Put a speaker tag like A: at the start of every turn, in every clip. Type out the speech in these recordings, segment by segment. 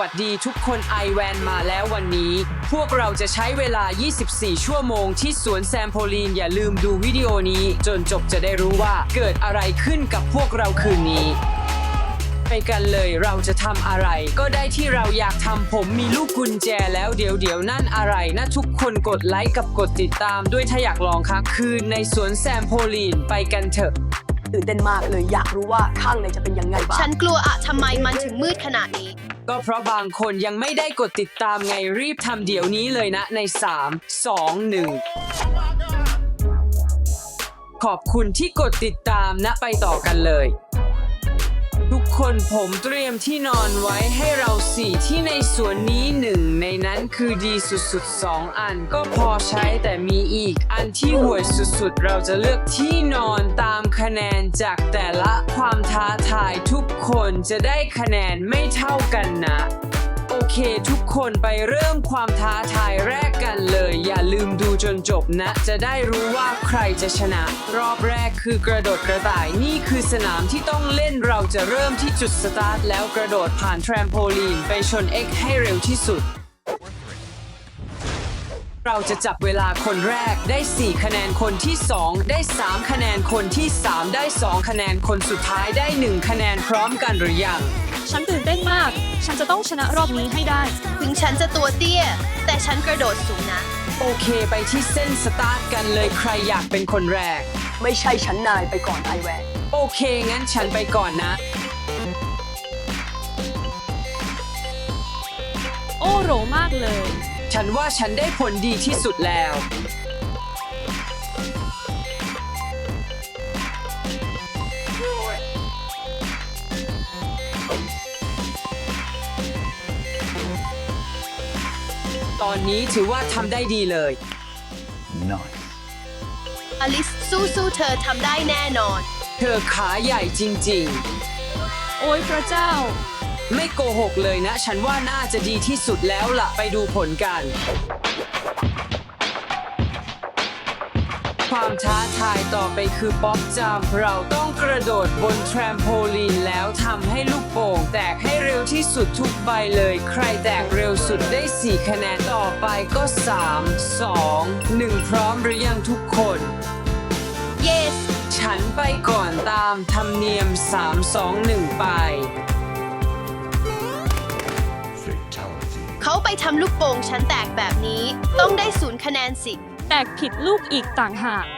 A: วัสดีทุกคนไอแวนมาแล้ววันนี้พวกเราจะใช้เวลา 24 ชั่วโมงที่สวนแซมโพลีนอย่าลืมดูวิดีโอนี้จนจบจะได้รู้ว่าเกิดอะไรขึ้นกับพวกเราคืนนี้ไปกันเลยเราจะทำอะไรก็ได้ที่เราอยากทำผมมีลูกกุญแจแล้วเดี๋ยวนั่นอะไรนะทุกคนกดไลค์กับกดติดตามด้วยถ้าอยากลองค้างคืนในสวนแซมโพลีนไปกันเถอะ
B: ตื่นเต้นมากเลยอยากรู้ว่าข้างในจะเป็นยังไงบ้าง
C: ฉันกลัวอะทำไมมันถึงมืดขนาดนี้
A: ก็เพราะบางคนยังไม่ได้กดติดตามไงรีบทำเดี๋ยวนี้เลยนะใน3 2 1ขอบคุณที่กดติดตามนะไปต่อกันเลยทุกคนผมเตรียมที่นอนไว้ให้เรา4ที่ในสวนนี้1ในนั้นคือดีสุดๆ2อันก็พอใช้แต่มีอีกอันที่ห่วยสุดๆเราจะเลือกที่นอนตามคะแนนจากแต่ละความท้าทายทุกคนจะได้คะแนนไม่เท่ากันนะโอเคทุกคนไปเริ่มความท้าทายแรกกันเลยอย่าลืมดูจนจบนะจะได้รู้ว่าใครจะชนะรอบแรกคือกระโดดกระต่ายนี่คือสนามที่ต้องเล่นเราจะเริ่มที่จุดสตาร์ทแล้วกระโดดผ่านแทรมโพลีนไปชน X ให้เร็วที่สุดเราจะจับเวลาคนแรกได้4คะแนนคนที่2ได้3คะแนนคนที่3ได้2คะแนนคนสุดท้ายได้1คะแนนพร้อมกันหรือยัง
D: ฉันตื่นเต้นมากฉันจะต้องชนะรอบนี้ให้ได้
C: ถึงฉันจะตัวเตี้ยแต่ฉันกระโดดสูงนะ
A: โอเคไปที่เส้นสตาร์ทกันเลยใครอยากเป็นคนแรก
B: ไม่ใช่ฉันนายไปก่อนไอแวน
A: โอเคงั้นฉันไปก่อนนะ
D: โอ้โหมากเลย
A: ฉันว่าฉันได้ผลดีที่สุดแล้วตอนนี้ถือว่าทำได้ดีเลย
E: Nice.
C: อลิสสู้เธอทำได้แน่นอน
A: เธอขาใหญ่จริง
D: ๆโอ้ยพระเจ้า
A: ไม่โกหกเลยนะฉันว่าน่าจะดีที่สุดแล้วล่ะไปดูผลกันความท้าทายต่อไปคือป๊อปจัมป์เราต้องกระโดดบนแทรมโพลีนแล้วทำให้ลูกโป่งแตกให้เร็วที่สุดทุกใบเลยใครแตกเร็วสุดได้4คะแนนต่อไปก็3 2 1พร้อมหรือยังทุกคน
C: yes
A: ฉันไปก่อนตามธรรมเนียม3 2 1ไป
C: เขาไปทำลูกโป่งฉันแตกแบบนี้ต้องได้0คะแนนสิ
D: แตกผิดลูกอีกต่างหาก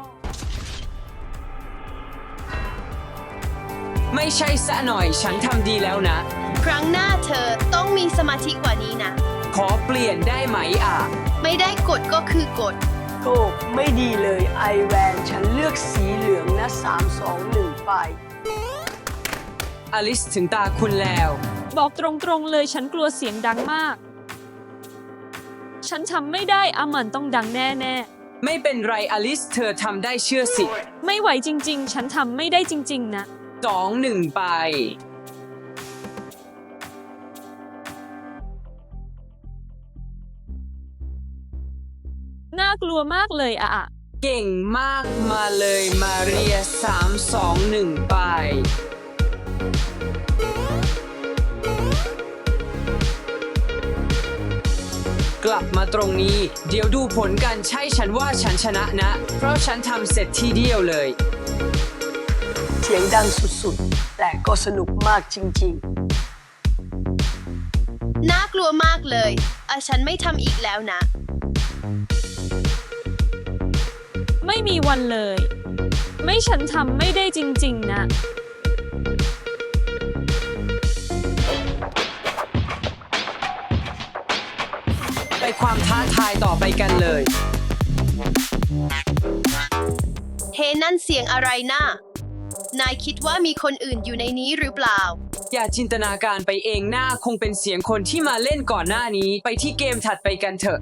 A: ไม่ใช่ซะหน่อยฉันทำดีแล้วนะ
C: ครั้งหน้าเธอต้องมีสมาธิกว่านี้นะ
A: ขอเปลี่ยนได้ไหม
C: ไม่ได้กดก็คือกด
B: โอ้ไม่ดีเลยไอแวนฉันเลือกสีเหลืองนะ3 2 1ไป
A: อลิสถึงตาคุณแล้ว
D: บอกตรงๆเลยฉันกลัวเสียงดังมากฉันทำไม่ได้มันต้องดังแน่
A: ๆไม่เป็นไรอลิสเธอทำได้เชื่อสิ
D: ไม่ไหวจริงๆฉันทำไม่ได้จริงๆนะ
A: 2 1ไป
D: น่ากลัวมากเลย
A: เก่งมากมาเลยมาเรีย3 2 1ไปกลับมาตรงนี้เดี๋ยวดูผลกันใช่ฉันว่าฉันชนะนะเพราะฉันทำเสร็จทีเดียวเลย
B: เสียงดังสุดๆแต่ก็สนุกมากจริง
C: ๆน่ากลัวมากเลยฉันไม่ทำอีกแล้วนะ
D: ไม่มีวันเลยไม่ฉันทำไม่ได้จริงๆนะ
A: ไปความท้าทายต่อไปกันเลย
C: เฮ้นั่นเสียงอะไรนะนายคิดว่ามีคนอื่นอยู่ในนี้หรือเปล่า
A: อย่าจินตนาการไปเองหน้าคงเป็นเสียงคนที่มาเล่นก่อนหน้านี้ไปที่เกมถัดไปกันเถอะ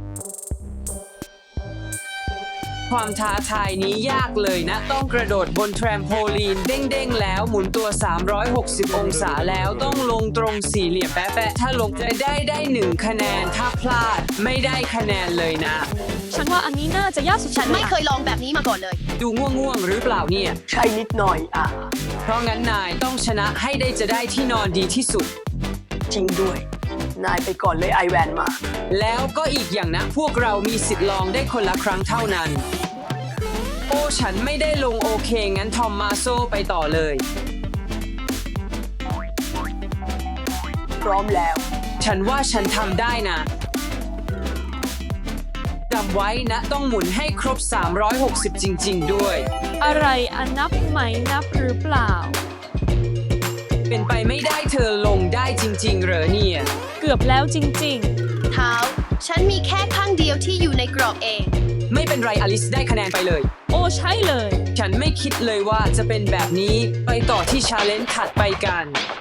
A: ความท้าทายนี้ยากเลยนะต้องกระโดดบนแทรมโพลีนเด้งๆแล้วหมุนตัว360องศาแล้วต้องลงตรงสี่เหลี่ยมแปะๆถ้าลงได้1คะแนนถ้าพลาดไม่ได้คะแนนเลยนะ
D: ฉันว่าอันนี้น่าจะยากสุด
C: ฉันไม่เคยลองแบบนี้มาก่อนเลย
A: ดูง่วงๆหรือเปล่าเนี่ย
B: ใช่นิดหน่อย
A: เพราะงั้นนายต้องชนะให้ได้จะได้ที่นอนดีที่สุด
B: จริงด้วยนายไปก่อนเลยไอแวนมา
A: แล้วก็อีกอย่างนะพวกเรามีสิทธิ์ลองได้คนละครั้งเท่านั้น โอ้ฉันไม่ได้ลงโอเคงั้นทอมมาโซไปต่อเลย
B: พร้อมแล้ว
A: ฉันว่าฉันทำได้นะจำไว้นะต้องหมุนให้ครบ 360 จริงๆด้วย
D: อะไรอันนับไหมนับหรือเปล่า
A: เป็นไปไม่ได้เธอลงได้จริงๆเหรอเนี่ย
D: เกือบแล้วจริง
C: เท้า ฉันมีแค่ข้างเดียวที่อยู่ในกรอบเอง
A: ไม่เป็นไรอลิสได้คะแนนไปเลย
D: ๆ โอ้ใช่เลย
A: ฉันไม่คิดเลยว่าจะเป็นแบบนี้ไปต่อที่ชาเลนจ์ถัดไปกัน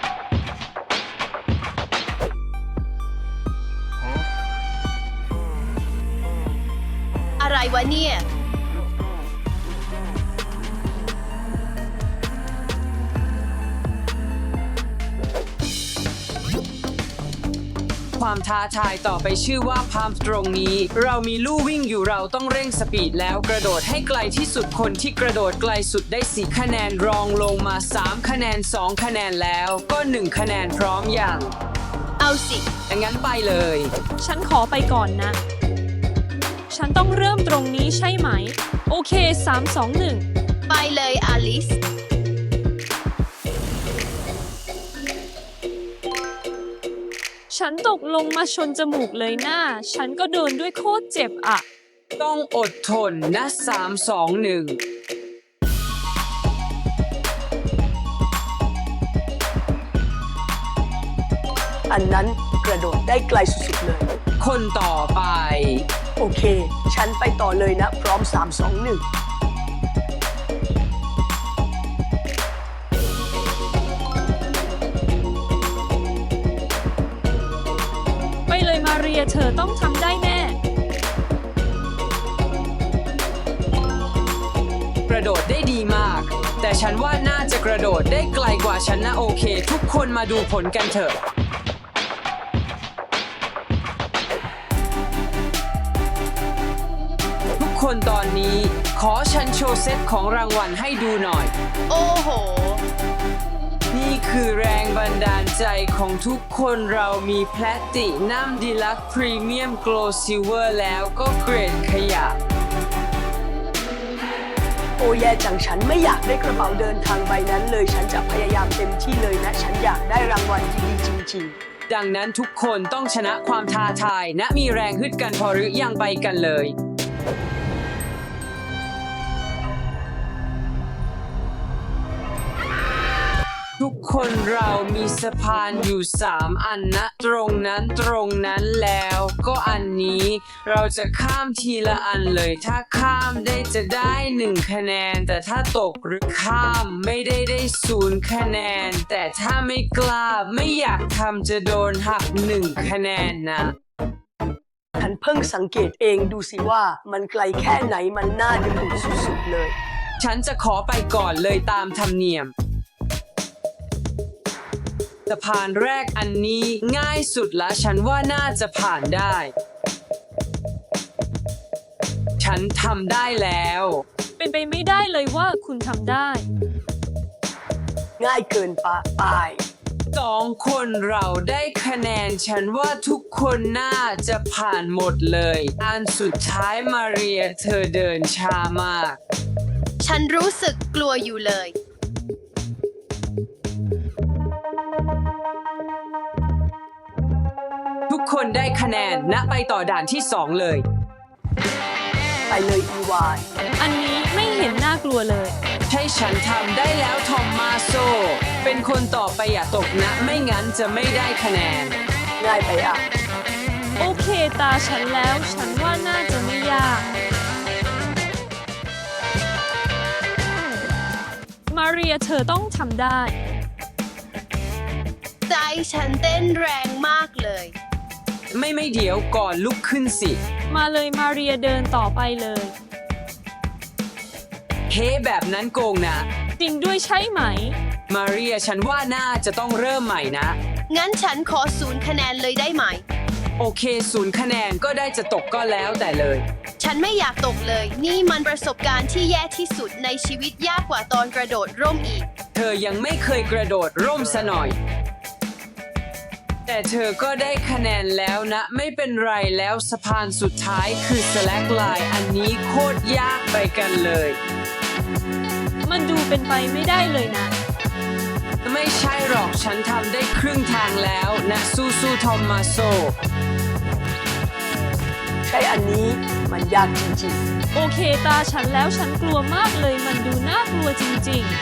C: อะไรวะเนี่ย
A: ความท้าทายต่อไปชื่อว่าพามตรงนี้ เรามีลู่วิ่งอยู่เราต้องเร่งสปีดแล้วกระโดดให้ไกลที่สุดคนที่กระโดดไกลสุดได้4คะแนนรองลงมา3คะแนน2คะแนนแล้วก็1คะแนนพร้อมอย่าง
C: เอาสิ
A: งั้นไปเลย
D: ฉันขอไปก่อนนะ ฉันต้องเริ่มตรงนี้ใช่ไหม โอเค 3 2 1
C: ไปเลยอลิส
D: ฉันตกลงมาชนจมูกเลยหน้า ฉันก็โดนด้วยโคตรเจ็บอ่ะ
A: ต้องอดทนนะ3 2 1
B: อันนั้นกระโดดได้ไกลสุดๆเลย
A: คนต่อไป
B: โอเค ฉันไปต่อเลยนะ พร้อม 3 2 1
D: ไปเลยมาเรียเธอต้องทำได้แน่
A: กระโดดได้ดีมาก แต่ฉันว่าน่าจะกระโดดได้ไกลกว่าฉันนะโอเค ทุกคนมาดูผลกันเถอะ ทุกคนตอนนี้ขอฉันโชว์เซตของรางวัลให้ดูหน่อย
C: โอ้โห
A: นี่คือแรงบันดาลใจของทุกคนเรามีแพลตินัมดีลักพรีเมียมโกลซิลเวอร์แล้วก็เกรดขยะ
B: โอ้แย่จังฉันไม่อยากได้กระเป๋าเดินทางใบนั้นเลย ฉันจะพยายามเต็มที่เลยนะ ฉันอยากได้รางวัลดีๆจริงๆ
A: ดังนั้นทุกคนต้องชนะความท้าทายและมีแรงฮึดกันพอหรือยังไปกันเลย ทุกคนเรามีสะพานอยู่3อันนะตรงนั้นแล้วก็อันนี้เราจะข้ามทีละอันเลยถ้าข้ามได้จะได้1คะแนนแต่ถ้าตกหรือข้ามไม่ได้0คะแนนแต่ถ้าไม่กล้าไม่อยากทำจะโดนหัก1คะแนนนะ
B: ฉันเพิ่งสังเกตเองดูสิว่ามันไกลแค่ไหนมันน่าดึงดูดสุดๆเลย
A: ฉันจะขอไปก่อนเลยตามธรรมเนียมสะพานแรกอันนี้ง่ายสุดละฉันว่าน่าจะผ่านได้ ฉันทำได้แล้ว
D: เป็นไปไม่ได้เลยว่าคุณทำได้
B: ง่ายเกินไป
A: 2 คนเราได้คะแนนฉันว่าทุกคนน่าจะผ่านหมดเลยอันสุดท้ายมาเรียเธอเดินช้ามาก
C: ฉันรู้สึกกลัวอยู่เลย
A: ทุกคนได้คะแนนณไปต่อด่านที่ 2 เลย
B: ไปเลยอีวาย
D: อันนี้ไม่เห็นน่ากลัวเลย
A: ใช่ฉันทำได้แล้วทอมมาโซ เป็นคนต่อไปอย่าตกนะไม่งั้นจะไม่ได้คะแนน
B: ง่ายไปอ่ะ
D: โอเคตาฉันแล้วฉันว่าน่าจะไม่ยาก มาเรียเธอต้องทำได้
C: ใจฉันเต้นแรงมากเลย
A: ไม่เดี๋ยวก่อนลุกขึ้นสิ
D: มาเลยมาเรียเดินต่อไปเลย
A: เฮ้แบบนั้นโกงนะ
D: จริงด้วยใช่ไหม
A: มาเรียฉันว่าน่าจะต้องเริ่มใหม่นะ
C: งั้นฉันขอ0คะแนนเลยได้ไหม
A: โอเค0คะแนนก็ได้จะตกก็แล้วแต่เลย
C: ฉันไม่อยากตกเลย นี่มันประสบการณ์ที่แย่ที่สุดในชีวิตยากกว่าตอนกระโดดร่มอีก
A: เธอยังไม่เคยกระโดดร่มซะหน่อยแต่เธอก็ได้คะแนนแล้วนะ ไม่เป็นไรแล้วสะพานสุดท้ายคือ slackline อันนี้โคตรยากไปกันเลย
D: มันดูเป็นไปไม่ได้เลยนะ
A: ไม่ใช่หรอกฉันทำได้ครึ่งทางแล้วนะสู้ๆทอมมาโซ
B: ใช่อันนี้มันยากจริง
D: โอเคตาฉันแล้วฉันกลัวมากเลยมันดูน่ากลัวจริง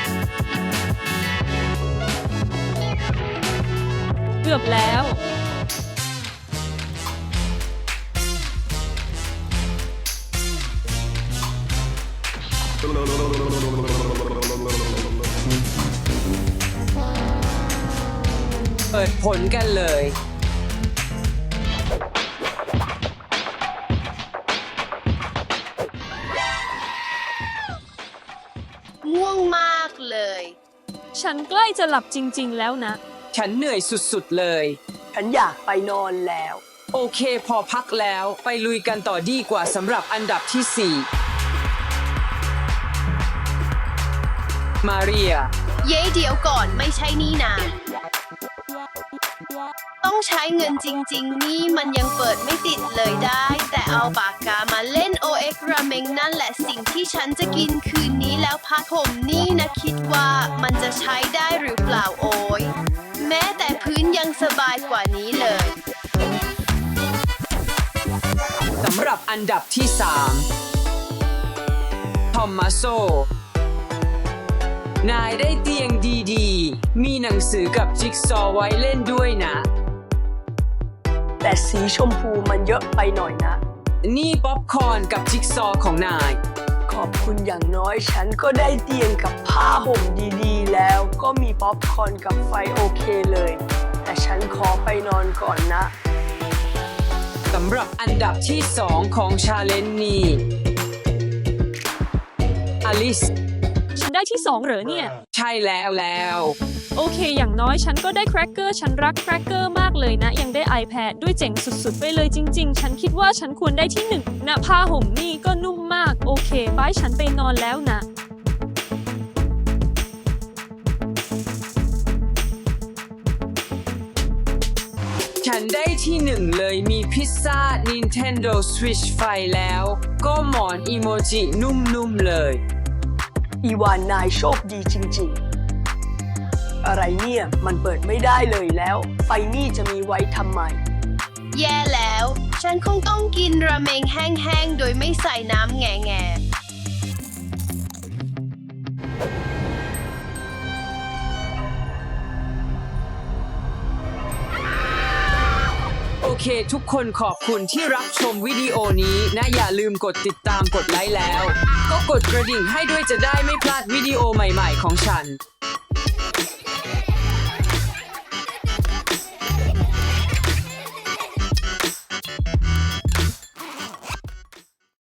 D: ๆ เกือบแล้ว
A: เปิดผลกันเลย
C: ง่วงมากเลย
D: ฉันใกล้จะหลับจริงๆแล้วนะ
A: ฉันเหนื่อยสุดๆเลย
B: ๆ ฉันอยากไปนอนแล้ว
A: โอเคพอพักแล้วไปลุยกันต่อดีกว่าสำหรับอันดับที่ 4 มาเรีย
C: เย้เดี๋ยวก่อนไม่ใช่นี่นาต้องใช้เงินจริงๆ นี่มันยังเปิดไม่ติดเลยได้ แต่เอาปากกามาเล่น OX ราเมงนั่นแหละสิ่งที่ฉันจะกินคืนนี้แล้วพัดผมนี่นะคิดว่ามันจะใช้ได้หรือเปล่าโอ้ยแม้แต่พื้นยังสบายกว่านี้เลย
A: สำหรับอันดับที่ 3 ทอมมาโซ นายได้เตียงดีๆ มีหนังสือกับจิ๊กซอว์ไว้เล่นด้วยนะ
B: แต่สีชมพูมันเยอะไปหน่อยนะ
A: นี่ป๊อปคอร์นกับจิ๊กซอว์ของนาย
B: ขอบคุณอย่างน้อยฉันก็ได้เตียงกับผ้าห่มดีๆ แล้วก็มีป๊อปคอร์นกับไฟโอเคเลย แต่ฉันขอไปนอนก่อนนะ
A: สำหรับอันดับที่ 2 ของชาเลนจ์นี้อลิส
D: ฉันได้ที่2เหรอเนี่ย
A: ใช่แล้ว
D: โอเค อย่างน้อยฉันก็ได้แครกเกอร์ ฉันรักแครกเกอร์มากเลยนะ ยังได้ iPad ด้วยเจ๋งสุดๆ ไปเลยจริงๆ ฉันคิดว่าฉันควรได้ที่1นะผ้าห่มนี่ก็นุ่มมาก โอเคบายฉันไปนอนแล้วนะ
A: ฉันได้ที่ 1 เลยมีพิซซ่า Nintendo Switch ไฟแล้ว ก็หมอนอีโมจินุ่มๆเลย
B: อีวานนายโชคดีจริงๆ อะไรเนี่ยมันเปิดไม่ได้เลยแล้ว ไฟนี่จะมีไว้ทำไม
C: แย่แล้ว ฉันคงต้องกินราเมงแห้งๆ โดยไม่ใส่น้ำแง่
A: โอเคทุกคนขอบคุณที่รับชมวิดีโอนี้นะอย่าลืมกดติดตามกดไลค์แล้ว ก็กดกระดิ่งให้ด้วยจะได้ไม่พลาดวิดีโอใหม่ๆของฉัน